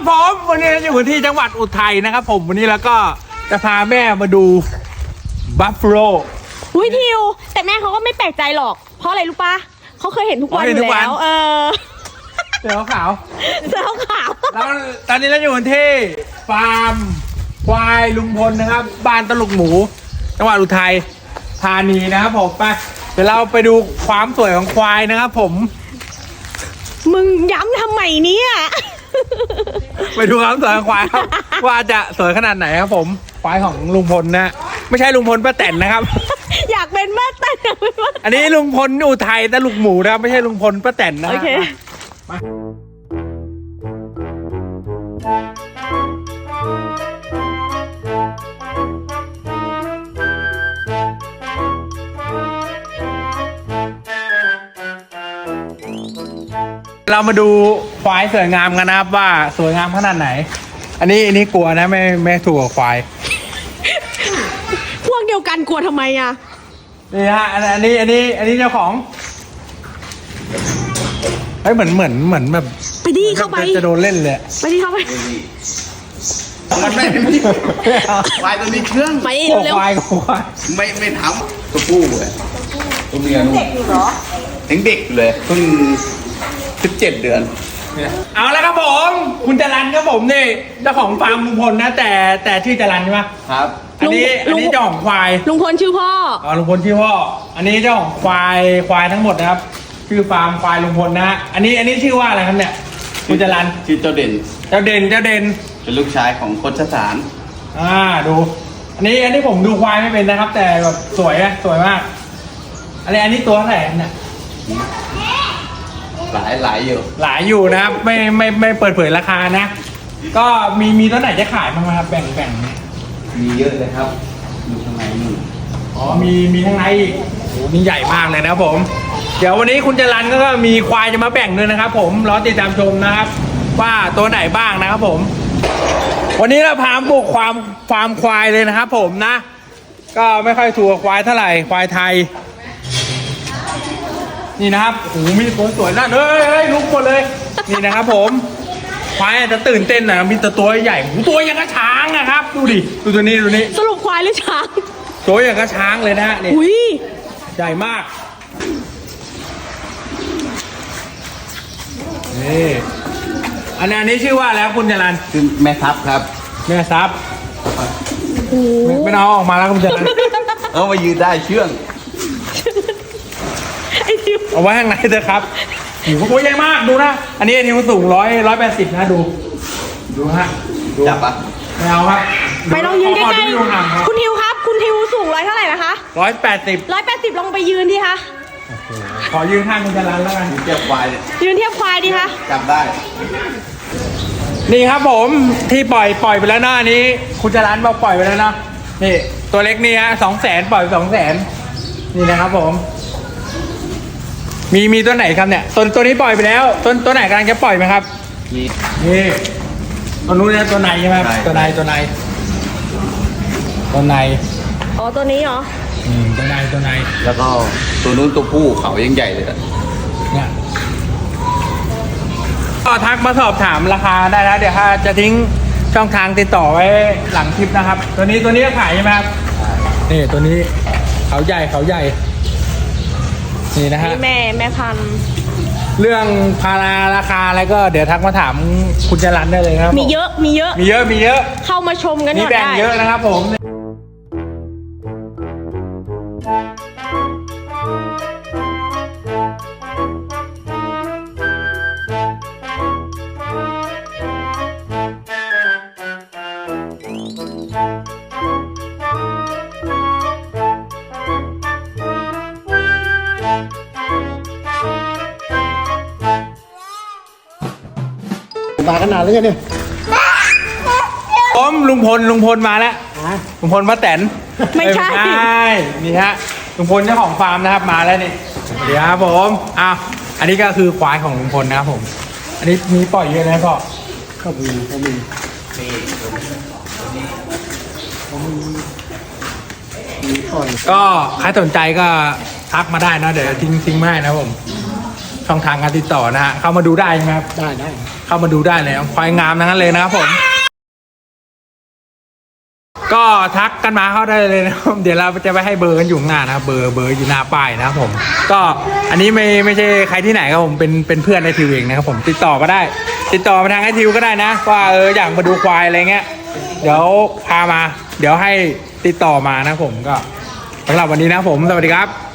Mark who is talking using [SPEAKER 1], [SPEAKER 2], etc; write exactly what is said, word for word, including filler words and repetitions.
[SPEAKER 1] ผมวันนี้อยู่ที่จังหวัดอุทัยนะครับผมวันนี้แล้วก็จะพาแม่มาดูบัฟฟาโล
[SPEAKER 2] อุ้ยทิวแต่แม่เขาก็ไม่แปลกใจหรอกเพราะอะไรรู้ปะเขาเคยเห็นทุกวันอยู่แล้วเออ
[SPEAKER 1] เสือขาว
[SPEAKER 2] เสือขาว
[SPEAKER 1] แล้วตอนนี้เราอยู่ที่ฟาร์มควายลุงพลนะครับบ้านตลุกหมูจังหวัดอุทัยธานีนะครับผมไปเดี๋ยวเราไปดูความสวยของควายนะครับผม
[SPEAKER 2] มึงย้ำทำไมเนี่ย
[SPEAKER 1] ไปดูความสวยของควายครับว่าจะสวยขนาดไหนครับผมควายของลุงพลนะไม่ใช่ลุงพลป้าแตนนะครับ
[SPEAKER 2] อยากเป็นป้าแตน
[SPEAKER 1] อันนี้ลุงพลอุทัยตลุกหมูนะครับไม่ใช่ลุงพลป้าแตนนะโอเคมาเรามาดูควายสวยงามกันนะครับว่าสวยงามขนาดไหนอันนี้อันนี้กลัวนะไม่ไม่ถูกกับควาย
[SPEAKER 2] พวกเดียวกันกลัวทำไมอ่ะ
[SPEAKER 1] นี่ฮะอันนี้อันนี้อันนี้เจ้าของเฮ้ยเหมือนเหมือนเหมือนแบบ
[SPEAKER 2] ไปดิเข้าไป
[SPEAKER 1] จะโดนเล่นเลย
[SPEAKER 2] ไปดิเข้าไป
[SPEAKER 3] มันไม่ไม่ควายตัวนี้เชื่อง
[SPEAKER 2] ไปเร็ว
[SPEAKER 1] ควายควาย
[SPEAKER 3] ไม่ไม่ทำตัวผู้เลยตัวเมียนู่นเด็กอยู่เหรอถึงเด็กเลยเพิ่งสิบเจ็ดเดือน
[SPEAKER 1] เอาแล้วครับผมคุณจรัญครับผมนี่เจ้าของฟาร์มลุงพลนะแต่แต่ชื่อจรัญใช่ไหม
[SPEAKER 3] ครับ
[SPEAKER 1] อันนี้อันนี้เจ้าของควาย
[SPEAKER 2] ลุงพลชื่อพ่อ
[SPEAKER 1] อ๋อลุงพลชื่อพ่ออันนี้เจ้าของควายควายทั้งหมดนะครับชื่อฟาร์มควายลุงพลนะฮะอันนี้อันนี้ชื่อว่าอะไรครับเนี่ยคุณจรัญ
[SPEAKER 3] ชื่อเจ้าเด่น
[SPEAKER 1] เจ้าเด่นเจ้าเด่น
[SPEAKER 3] เป็นลูกชายของโคชสาร
[SPEAKER 1] อ่าดูอันนี้อันนี้ผมดูควายไม่เป็นนะครับแต่แบบสวยนะสวยมากอันนี้อันนี้ตัวเท่าไหร่เนี่ย
[SPEAKER 3] หลายหลายอยู่
[SPEAKER 1] หลายอยู่นะครับไม่ไม่ไม่เปิดเผยราคานะก็มีมีตัวไหนจะขายบ้างครับแบ่งแบ่ง
[SPEAKER 3] มีเยอะเลยครับดูข้างในนู่น
[SPEAKER 1] อ๋อมีมีข้างในอีกโอ้นี่ใหญ่มากเลยนะครับผมเดี๋ยววันนี้คุณจรัญก็มีควายจะมาแบ่งด้วยนะครับผมรอติดตามชมนะครับว่าตัวไหนบ้างนะครับผมวันนี้เราพาบุกความฟาร์มควายเลยนะครับผมนะก็ไม่ค่อยถูกควายเท่าไหร่ควายไทยนี่นะครับโอ้โหมีตัวสวยนะเฮ้ยเฮ้ยลุกหมดเลยนี่นะครับผมควายจะตื่นเต้นนะมีตัวตัวใหญ่ตัวอย่างกระช้างนะครับดูดิดูตัวนี้ดูนี้
[SPEAKER 2] สรุปควายหรือช้าง
[SPEAKER 1] ตัวอย่างกระช้างเลยนะนี่ใหญ่มากนี่อันนี้อันนี้ชื่อว่าแล้วคุณจรัญ
[SPEAKER 3] คือแม่ทัพครับ
[SPEAKER 1] แม่ทัพไม่เอาออกมาแล้วคุณจรัญ
[SPEAKER 3] เอามายืนได้เชื่อง
[SPEAKER 1] เอาไว้ข้างในเถอะครับหิวโอ้ยใหญ่มากดูนะอันนี้ทิวสูงร้อยร้อยแปดสิบนะดูดูฮะ
[SPEAKER 3] จับปะ
[SPEAKER 1] ไม่เอาครับ
[SPEAKER 2] ไปลองยืนใกล้ๆคุณทิวครับคุณทิวสูงร้อยเท่าไหร่นะคะ
[SPEAKER 1] ร้อยแปดสิบ
[SPEAKER 2] ร้อยแปดสิบลองไปยืนดิคะ
[SPEAKER 1] ขอยืนข้างคุณจรัญแล้วกัน
[SPEAKER 3] เทียบควาย
[SPEAKER 2] ยืนเทียบควายดิคะ
[SPEAKER 3] จับได้
[SPEAKER 1] นี่ครับผมที่ปล่อยปล่อยไปแล้วนะอันนี้คุณจรัญบอกปล่อยไปแล้วนะนี่ตัวเล็กนี่ฮะสองแสนปล่อยสองแสนนี่นะครับผมมีมีตัวไหนครับเนี่ยตัวตัวนี้ปล่อยไปแล้วตัวตัวไหนกำลังจะปล่อยไหมครับ
[SPEAKER 3] นี่
[SPEAKER 1] นี่ตัวนู้นเนี่ยตัวไหนใช่ไหมตัวไหนตัวไหนตัวไหน
[SPEAKER 2] อ๋อตัวนี้เหรอ
[SPEAKER 1] อืมตัวไหนตัวไหน
[SPEAKER 3] แล้วก็ตัวนู้นตัวผู้เขายังใหญ่เลย
[SPEAKER 1] เนี่ยก็ทักมาสอบถามราคาได้แล้วเดี๋ยวถ้าจะทิ้งช่องทางติดต่อไว้หลังคลิปนะครับตัวนี้ตัวนี้ขายใช่ไหมครับนี่ตัวนี้เขาใหญ่เขาใหญ่นี่นะฮะ
[SPEAKER 2] แม่แม่พัน
[SPEAKER 1] เรื่องพาราราคาอะไรก็เดี๋ยวทักมาถามคุณจรัญได้เลยครับ
[SPEAKER 2] มีเยอะมีเยอะ
[SPEAKER 1] มีเยอะมีเยอะ
[SPEAKER 2] เข้ามาชมกันหน่อยได้มี
[SPEAKER 1] แบ่งเยอะนะครับผม
[SPEAKER 3] มาขนาดเลยเนี่ย
[SPEAKER 1] ผมลุงพลลุงพลมาแล้วลุงพลป้าแตน
[SPEAKER 2] ไม่ใช่
[SPEAKER 1] นี่ฮะลุงพลเจ้าของฟาร์มนะครับมาแล้วนี่เดี๋ยวครับผมอ้าวอันนี้ก็คือควายของลุงพลนะครับผมอันนี้มีปล่อยเยอะนะพ่อ
[SPEAKER 3] ก็มีก็มี
[SPEAKER 1] ก็ใครสนใจก็ทักมาได้นะเดี๋ยวทิ้งทิ้งมาให้นะผมช่องทางการติดต่อนะฮะเข้ามาดูได้ไหมครับได้ได้เข้ามาดูได้เลยควายงามทั้งนั้นเลยนะครับผมก็ทักกันมาเข้าได้เลยนะครับเดี๋ยวเราจะไปให้เบอร์กันอยู่ข้างหน้านะครับเบอร์เบอร์อยู่หน้าป้ายนะครับผมก็อันนี้ไม่ไม่ใช่ใครที่ไหนครับผมเป็นเป็นเพื่อนไอทิวเองนะครับผมติดต่อมาได้ ติดต่อมาทางไอทิวก็ได้นะว่าเอออยากมาดูควายอะไรเงี้ยเดี๋ยวพามา เดี๋ยวให้ติดต่อมานะผมก็สำหรับวันนี้นะผมสวัสดีครับ